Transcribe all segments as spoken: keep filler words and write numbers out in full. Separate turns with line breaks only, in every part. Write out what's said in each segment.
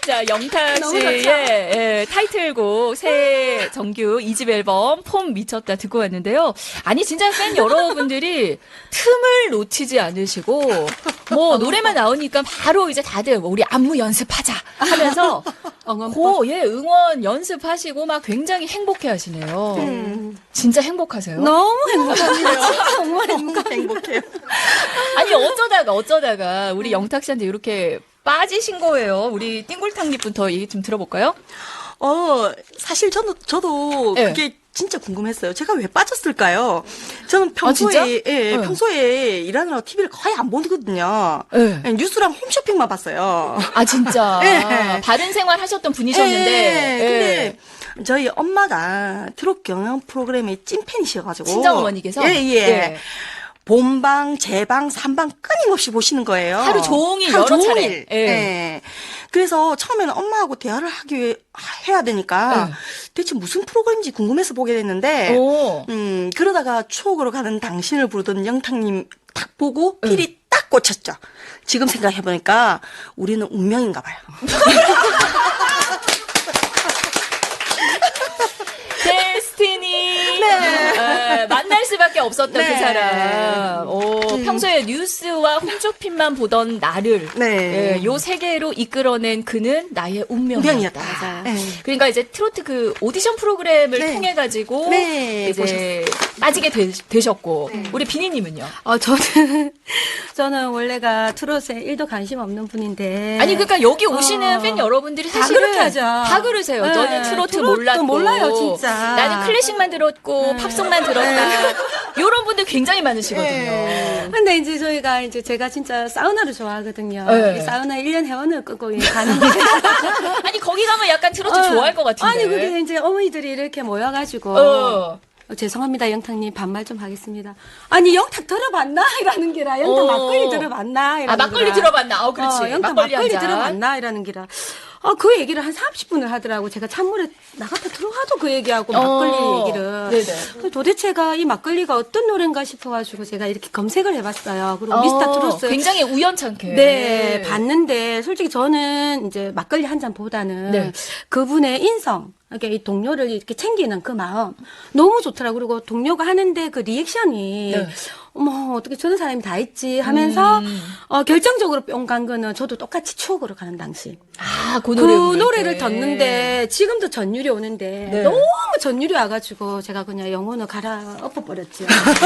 자, 영탁 씨의 예, 타이틀곡 새 정규 이 집 앨범 폼 미쳤다 듣고 왔는데요. 아니 진짜 팬 여러분들이 틈을 놓치지 않으시고 뭐 노래만 나오니까 바로 이제 다들 뭐 우리 안무 연습하자 하면서 고, 예, 응원 연습하시고 막 굉장히 행복해 하시네요. 음. 진짜 행복하세요?
너무 행복합니다. 정말 행복합니다.
행복해요.
아니 어쩌다가 어쩌다가 우리 영탁 씨한테 이렇게 빠지신 거예요. 우리 띵골탕님부터 얘기 좀 들어볼까요?
어, 사실 저도, 저도
네.
그게 진짜 궁금했어요. 제가 왜 빠졌을까요? 저는 평소에,
아,
예,
네.
평소에 일하느라 티비를 거의 안 보거든요.
네.
예, 뉴스랑 홈쇼핑만 봤어요.
아 진짜
예.
바른 생활 하셨던 분이셨는데
예,
예.
근데 저희 엄마가 트롯 경연 프로그램의 찐팬이셔가지고.
친정 어머니께서
예, 예.
예.
본방, 재방, 삼방 끊임없이 보시는 거예요.
하루 종일
하루
여러
종일.
차례. 예.
예. 그래서 처음에는 엄마하고 대화를 하기 위해 해야 되니까
예.
대체 무슨 프로그램인지 궁금해서 보게 됐는데
오.
음, 그러다가 추억으로 가는 당신을 부르던 영탁님 딱 보고
예.
필이 딱 꽂혔죠. 지금 생각해보니까 우리는 운명인가 봐요.
데스티니 네. 만날 수밖에 없었던
네.
그 사람. 오,
음.
평소에 뉴스와 홈쇼핑만 보던 나를
네.
예, 요 세계로 이끌어낸 그는 나의 운명이었다.
운명이었다.
맞아요.
네.
그러니까 이제 트로트 그 오디션 프로그램을
네.
통해 가지고
네,
이제 빠지게 되, 셨고 우리 비니님은요?
어, 저는, 저는 원래가 트롯에 일도 관심 없는 분인데.
아니 그러니까 여기 오시는
어.
팬 여러분들이
다
사실은
그렇게 하죠.
다 그러세요.
네,
저는 트로트
트로트도
몰랐고
몰라요, 진짜.
나는 클래식만 들었고 팝송만 들었다. 이런 분들 굉장히 많으시거든요.
네.
근데 이제 저희가 이제 제가 진짜 사우나를 좋아하거든요.
네.
이 사우나 일 년 회원을 끊고 가는 게.
아니 거기 가면 약간 트로트 좋아할 것 같은데.
아니, 그게 이제 어머니들이 이렇게 모여가지고.
어.
어, 죄송합니다, 영탁님. 반말 좀 하겠습니다. 아니, 영탁 들어봤나? 이라는 기라. 영탁
어.
막걸리 들어봤나? 이라는
아 막걸리
기라.
들어봤나? 어 그렇지.
어, 영탁
막걸리,
막걸리,
한 잔.
들어봤나? 이라는 기라. 어, 그 얘기를 한 삼십 분을 하더라고. 제가 찬물에 나갔다 들어가도 그 얘기하고 막걸리
어.
얘기를.
네네.
도대체가 이 막걸리가 어떤 노래인가 싶어가지고 제가 이렇게 검색을 해봤어요. 그리고
어,
미스터 트로트.
굉장히 우연찮게.
네, 봤는데 솔직히 저는 이제 막걸리 한 잔보다는
네.
그분의 인성, 이렇게 이 동료를 이렇게 챙기는 그 마음 너무 좋더라고요. 그리고 동료가 하는데 그 리액션이
네.
어머 어떻게 저런 사람이 다 있지 하면서
음.
어, 결정적으로 뿅 간 거는 저도 똑같이 추억으로 가는 당시
아, 그
그
노래 부를
노래를
때.
듣는데 지금도 전율이 오는데
네.
너무 전율이 와가지고 제가 그냥 영혼을 갈아 엎어버렸죠.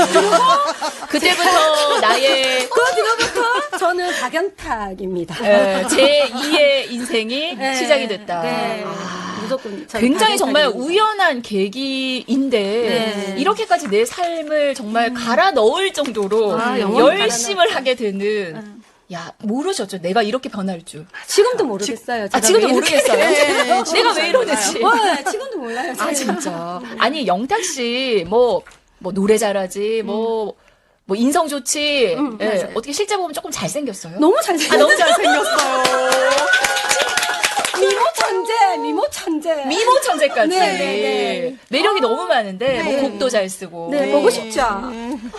그때부터 나의
그 뒤로부터 저는 박연탁입니다.
에, 제이의 인생이
네.
시작이 됐다.
네.
아.
무조건 저는
굉장히 정말
박연탁입니다.
우연한 계기인데
네.
이렇게까지 내 삶을 정말 갈아 넣을 정도로
아, 영원히
열심을
갈아 넣었다.
하게 되는 야 모르셨죠? 내가 이렇게 변할 줄.
지금도 모르겠어요.
아
제가
지금도
왜 이렇게-
모르겠어요.
네,
내가 왜 이러는지.
네, 지금도 몰라요.
아
제가.
진짜. 아니 영탁 씨 뭐 뭐 노래 잘하지 뭐. 뭐 인성 좋지.
음,
예,
맞아요.
어떻게 실제 보면 조금 잘생겼어요?
너무
아
잘생겼어요.
너무 잘생겼어요.
미모 천재, 미모 천재.
미모 천재까지.
네, 네.
매력이 너무 많은데 뭐
네.
곡도 잘 쓰고.
네, 보고 싶죠.
아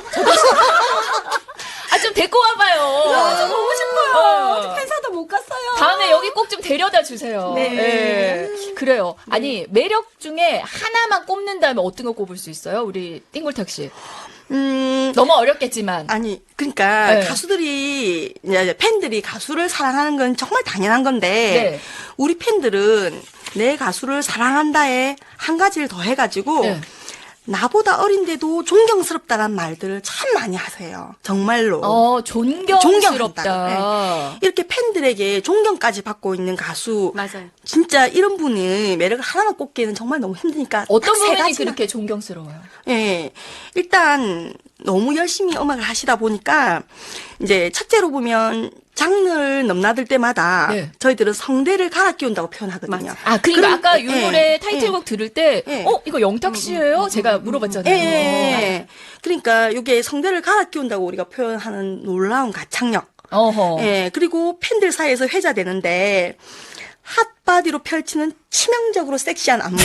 좀 데리고 와봐요.
아, 저 보고 싶어요.
어.
어디 팬사도 못 갔어요.
다음에 여기 꼭 좀 데려다 주세요.
네.
예. 그래요. 아니 매력 중에 하나만 꼽는다면 어떤 거 꼽을 수 있어요? 우리 띵골탁 씨.
음,
너무 어렵겠지만.
아니, 그러니까
네.
가수들이, 이제 팬들이 가수를 사랑하는 건 정말 당연한 건데,
네.
우리 팬들은 내 가수를 사랑한다에 한 가지를 더 해가지고,
네.
나보다 어린데도 존경스럽다는 말들을 참 많이 하세요. 정말로.
어 존경스럽다.
존경한다. 네. 이렇게 팬들에게 존경까지 받고 있는 가수.
맞아요.
진짜 이런 분의 매력을 하나만 꼽기에는 정말 너무 힘드니까.
어떤
딱세
부분이
가지만.
그렇게 존경스러워요?
예. 일단, 너무 열심히 음악을 하시다 보니까, 이제, 첫째로 보면, 장르를 넘나들 때마다,
네.
저희들은 성대를 갈아 끼운다고 표현하거든요.
아, 그러니까
그럼,
아까 이
예,
노래
예,
타이틀곡 들을 때,
예.
어, 이거 영탁 씨예요? 제가 물어봤잖아요.
예, 예, 예. 그러니까, 이게 성대를 갈아 끼운다고 우리가 표현하는 놀라운 가창력.
어허.
예, 그리고 팬들 사이에서 회자되는데, 핫바디로 펼치는 치명적으로 섹시한 안무.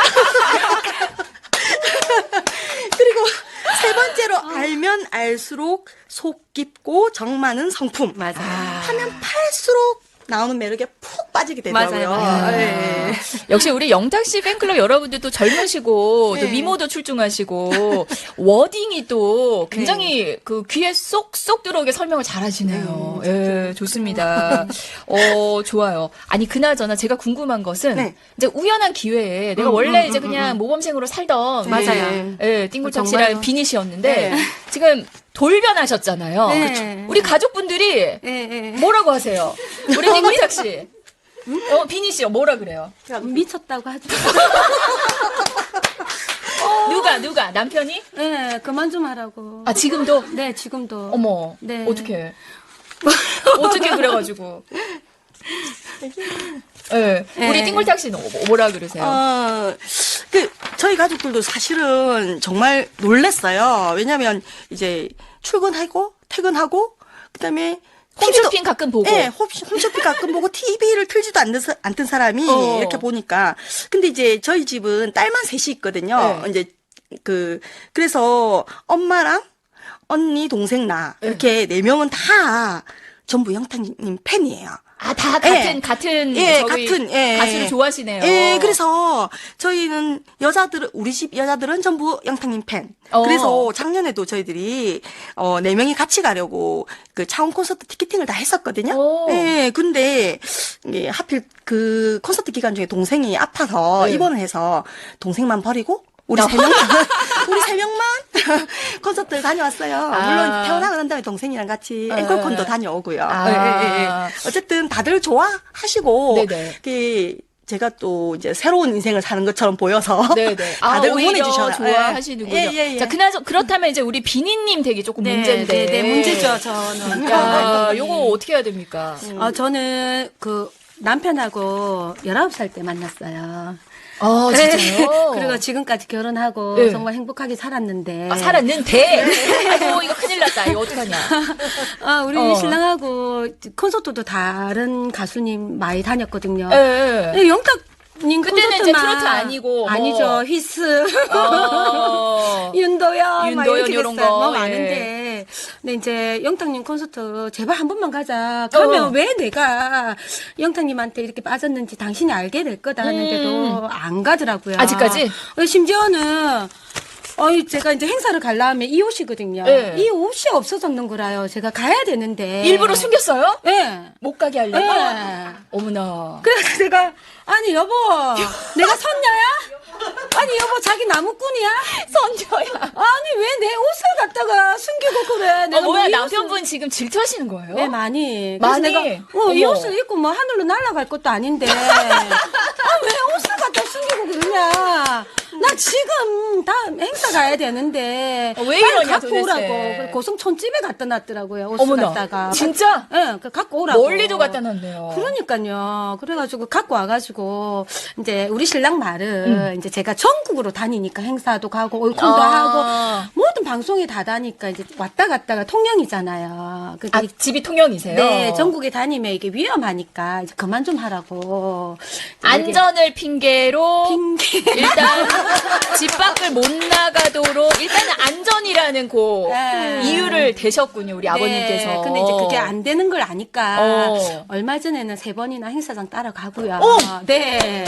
그리고 세 번째로 알면 알수록 속 깊고 정 많은 성품.
맞아요.
하면 팔수록 나오는 매력에 푹 빠지게 되더라고요.
맞아요, 맞아요.
예.
역시 우리 영탁 씨 팬클럽 여러분들도 젊으시고 또
네.
미모도 출중하시고 워딩이 또 굉장히 그 귀에 쏙쏙 들어오게 설명을 잘하시네요. 예, 좋습니다. 어, 좋아요. 아니 그나저나 제가 궁금한 것은
네.
이제 우연한 기회에 내가
음,
원래
음,
이제
음,
그냥
음.
모범생으로 살던
맞아요.
예, 띵굴탁
정말요.
씨랑 비니 씨였는데
네.
지금 돌변하셨잖아요.
네.
그쵸? 우리 가족분들이
예, 예.
뭐라고 하세요? 우리 띵굴탁 씨. 어, 비니 씨요. 뭐라 그래요?
미쳤다고 하죠.
누가 누가 남편이?
네, 그만 좀 하라고.
아 지금도?
네, 지금도.
어머.
네.
어떻게? 어떻게 그래가지고? 예. 네. 우리
네.
띵굴탁 씨는 뭐라 그러세요?
어, 그, 저희 가족들도 사실은 정말 놀랬어요. 왜냐면, 이제, 출근하고, 퇴근하고, 그 다음에,
홈쇼핑 가끔 보고.
네, 홈- 홈쇼핑 가끔 보고 티비를 틀지도 않는, 사- 않던 사람이
어.
이렇게 보니까. 근데 이제 저희 집은 딸만 셋이 있거든요.
네.
이제, 그, 그래서 엄마랑 언니, 동생, 나, 이렇게 네 명은 다 전부 영탁님 팬이에요.
아, 다 같은
예.
같은
예,
저기
같은, 예.
가수를 좋아하시네요.
예, 그래서 저희는 여자들은 우리 집 여자들은 전부 영탁님 팬.
어.
그래서 작년에도 저희들이 어 네 명이 같이 가려고 그 차원 콘서트 티켓팅을 다 했었거든요.
오.
예, 근데 이게 하필 그 콘서트 기간 중에 동생이 아파서
네.
입원을 해서 동생만 버리고 우리 세 명만 우리 세 명만 콘서트를 다녀왔어요.
아.
물론 태어나고 난 다음에 동생이랑 같이
예.
앵콜콘도 다녀오고요.
아.
예, 예, 예. 어쨌든 다들 좋아하시고
네네.
그 제가 또 이제 새로운 인생을 사는 것처럼 보여서
네네. 아,
다들
오히려
응원해 주셔
좋아하시는군요.
예, 예, 예.
자, 그나저 그렇다면 이제 우리 비니님 되게 조금
네,
문제인데.
네, 네, 문제죠, 저는.
야, 요거 어떻게 해야 됩니까?
어, 저는 그 남편하고 열아홉 살 때 만났어요.
아, 진짜요?
그리고 지금까지 결혼하고
네.
정말 행복하게 살았는데.
아, 살았는데. 아이고, 이거 큰일 났다. 이거 어떡하냐.
아, 우리
어.
신랑하고 콘서트도 다른 가수님 많이 다녔거든요.
예, 예.
네, 영탁님
그때는
콘서트만
이제 트로트 아니고 뭐.
아니죠. 휘스,
어.
윤도현, 막
윤도현
이렇게
요런
됐어요.
거,
뭐
예.
많은데, 근데 이제 영탁님 콘서트 제발 한 번만 가자. 그러면
어.
왜 내가 영탁님한테 이렇게 빠졌는지 당신이 알게 될 거다 하는데도 안 가더라고요.
음. 아직까지?
어, 심지어는. 어이, 제가 이제 행사를 가려면 이 옷이거든요.
네.
이 옷이 없어졌는 거라요. 제가 가야 되는데.
일부러 숨겼어요?
예.
못 가게 하려고?
예.
어머나.
그래서 내가, 아니, 여보, 내가 선녀야? 아니, 여보, 자기 나무꾼이야?
선녀야.
아니, 왜 내 옷을 갖다가 숨기고 그래? 내가
어, 뭐야,
뭐이
남편분 지금 질투하시는 거예요?
옷을- 네, 많이. 그래서
많이?
내가, 어, 이
어머.
옷을 입고 뭐 하늘로 날아갈 것도 아닌데. 아, 왜 옷을 갖다 숨기고 그러냐? 나 지금 다 행사 가야 되는데.
어, 왜
빨리
이러냐,
갖고
도대체.
오라고. 그래서 고성촌집에 갖다 놨더라고요. 옷을
어머나.
갖다가.
진짜?
예, 네, 갖고 오라고.
멀리도 갖다 놨네요.
그러니까요. 그래가지고 갖고 와가지고 이제 우리 신랑 말은
음.
이제 제가 전국으로 다니니까 행사도 가고 올콘도
아.
하고 모든 방송에 다 다니까 이제 왔다 갔다가 통영이잖아요. 그게
아, 집이 통영이세요?
네, 전국에 다니면 이게 위험하니까 이제 그만 좀 하라고. 이제
안전을 핑계로
핑계.
일단 집 밖을 못 나가도록 일단은 안전이라는 고
네.
이유를 대셨군요, 우리
네,
아버님께서.
근데 이제 그게 안 되는 걸 아니까
어.
얼마 전에는 세 번이나 행사장 따라가고요. 네.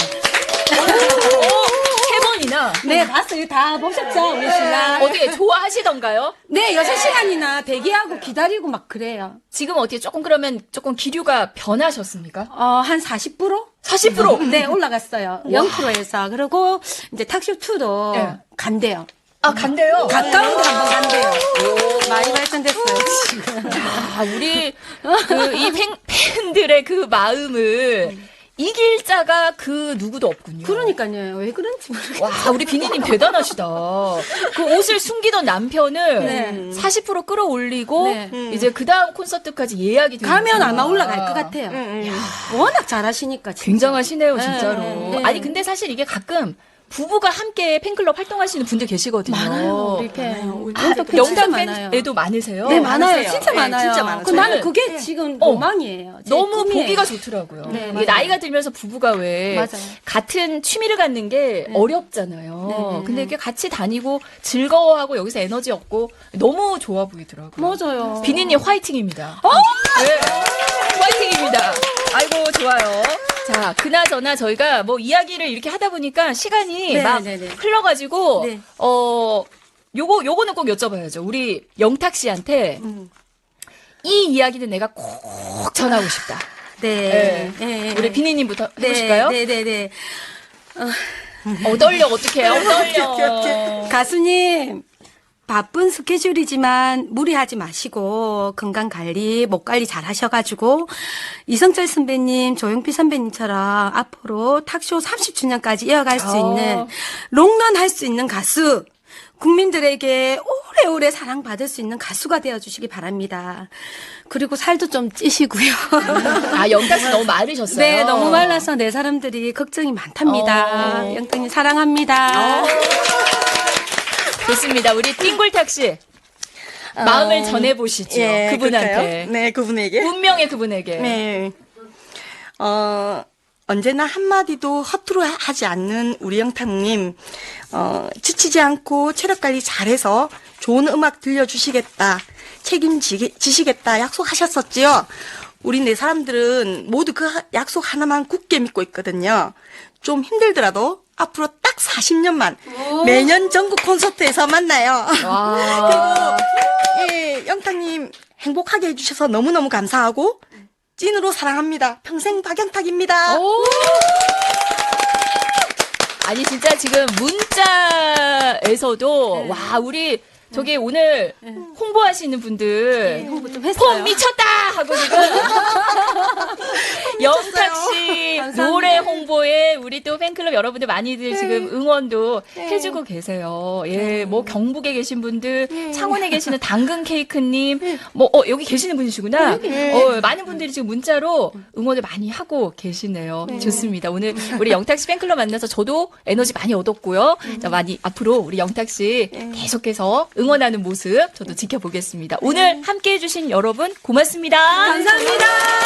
세 번이나
네, 봤어요. 다 보셨죠? 우리 신랑.
어떻게 좋아하시던가요?
네, 여섯 시간이나 대기하고 기다리고 막 그래요.
지금 어떻게 조금 그러면 조금 기류가 변하셨습니까?
어, 한 사십 퍼센트?
사십 퍼센트.
네, 올라갔어요. 영 퍼센트에서. 그리고 이제 탁쇼이도
네.
간대요.
아, 간대요.
가까운 데 한번 간대요. 많이 발전됐어요, 지금.
아, 우리 그 이 팬들의 그 마음을 이길 자가 그 누구도 없군요.
그러니까요. 왜 그런지 모르겠어요.
와, 우리 비니님 대단하시다. 그 옷을 숨기던 남편을
네.
사십 퍼센트 끌어올리고
네.
이제 그 다음 콘서트까지 예약이 되는
가면 아마 올라갈 것 같아요.
음, 음.
워낙 잘하시니까. 진짜.
굉장하시네요, 진짜로.
네.
아니 근데 사실 이게 가끔 부부가 함께 팬클럽 활동하시는 분들 계시거든요.
많아요, 우리 팬.
많아요.
영탁 팬
영탁
진짜 많아요.
팬에도 많으세요?
네, 많아요.
많으세요.
진짜
네,
많아요.
진짜 많아요.
그 나는
저는-
그게 지금
어,
로망이에요. 제
너무
꿈이에요.
보기가 좋더라고요.
네,
이게
맞아요.
나이가 들면서 부부가 왜
맞아요.
같은 취미를 갖는 게 어렵잖아요.
네, 네,
근데
네.
이렇게 같이 다니고 즐거워하고 여기서 에너지 얻고 너무 좋아 보이더라고요.
맞아요.
비니님 화이팅입니다. 네. 화이팅입니다. 아이고, 좋아요. 자, 그나저나 저희가 뭐 이야기를 이렇게 하다 보니까 시간이
네,
막
네, 네.
흘러가지고,
네.
어, 요거, 요거는 꼭 여쭤봐야죠. 우리 영탁 씨한테
음.
이 이야기는 내가 꼭 전하고 싶다.
네.
네.
네.
우리 비니님부터
네,
해보실까요?
네, 네, 네.
어, 떨려, 어떡해요? 떨려.
가수님, 바쁜 스케줄이지만 무리하지 마시고 건강 관리, 목 관리 잘 하셔가지고 이성철 선배님, 조용필 선배님처럼 앞으로 탁쇼 삼십 주년까지 이어갈 수
어.
있는 롱런 할 수 있는 가수, 국민들에게 오래오래 사랑받을 수 있는 가수가 되어주시기 바랍니다. 그리고 살도 좀 찌시고요.
아, 영탁 씨 너무 마르셨어요.
네, 너무 말라서 내 사람들이 걱정이 많답니다.
어.
영탁님 사랑합니다.
좋습니다. 우리 띵골탁 씨. 마음을 전해보시죠.
예,
그분한테.
그럴까요? 네, 그분에게.
운명의 그분에게.
네. 어, 언제나 한마디도 허투루 하- 하지 않는 우리 영탁님, 어, 지치지 않고 체력 관리 잘해서 좋은 음악 들려주시겠다, 책임지시겠다 약속하셨었지요. 우리 네 사람들은 모두 그 하- 약속 하나만 굳게 믿고 있거든요. 좀 힘들더라도 앞으로 딱 사십 년만 매년 전국 콘서트에서 만나요.
와.
예, 영탁님 행복하게 해주셔서 너무너무 감사하고 찐으로 사랑합니다. 평생 박영탁입니다.
오. 아니 진짜 지금 문자에서도 와 우리 저기 오늘 홍보하시는 분들
홍보 좀
폼
했어요.
미쳤다 하고 지금 영탁 씨
감사합니다.
노래 홍보에 우리 또 팬클럽 여러분들 많이들 지금 응원도 해주고 계세요. 예, 뭐 경북에 계신 분들, 창원에 계시는 당근 케이크님, 뭐 어, 여기 계시는 분이시구나. 어, 많은 분들이 지금 문자로 응원을 많이 하고 계시네요. 좋습니다. 오늘 우리 영탁 씨 팬클럽 만나서 저도 에너지 많이 얻었고요. 자, 많이 앞으로 우리 영탁 씨 계속해서 응원하는 모습 저도 지켜보겠습니다. 오늘 함께 해주신 여러분 고맙습니다.
감사합니다.